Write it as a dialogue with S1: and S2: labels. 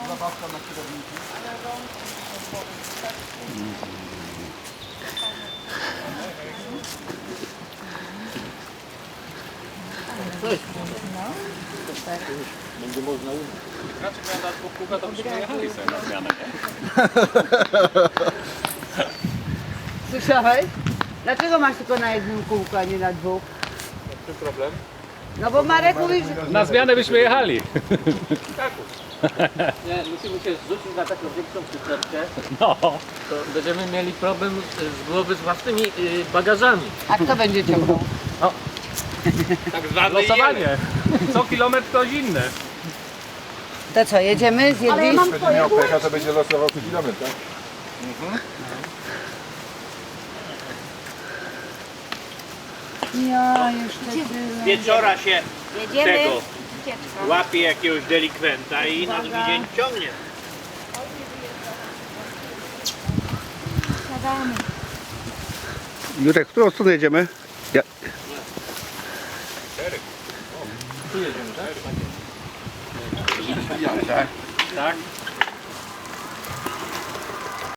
S1: zabawka na kierowniku. Będzie można umyć.
S2: Raczej miałem dać po kółka, to byśmy jechali sobie na zmianę, nie?
S3: Słyszałeś? Dlaczego masz tylko na jednym kółku, a nie na dwóch?
S2: Czym problem?
S3: No bo Marek mówi, że...
S2: Na zmianę byśmy jechali.
S4: Nie, musimy się zrzucić na taką większą przyczepkę,
S2: No.
S4: to będziemy mieli problem z głowy z własnymi bagażami.
S3: A kto będzie ciągnął?
S4: Tak zwane
S2: Losowanie. Co kilometr ktoś inny.
S3: To co, jedziemy? Zjedli?
S1: Będzie miał pecha, to będzie losował co kilometr, tak?
S3: Ja jeszcze tyle.
S5: Wieczora się
S6: Jedziemy.
S5: tego łapie jakiegoś delikwenta i na drugi dzień ciągnie.
S6: Siadamy.
S7: Jurek, w którą stronę jedziemy? Ja...
S2: Tak?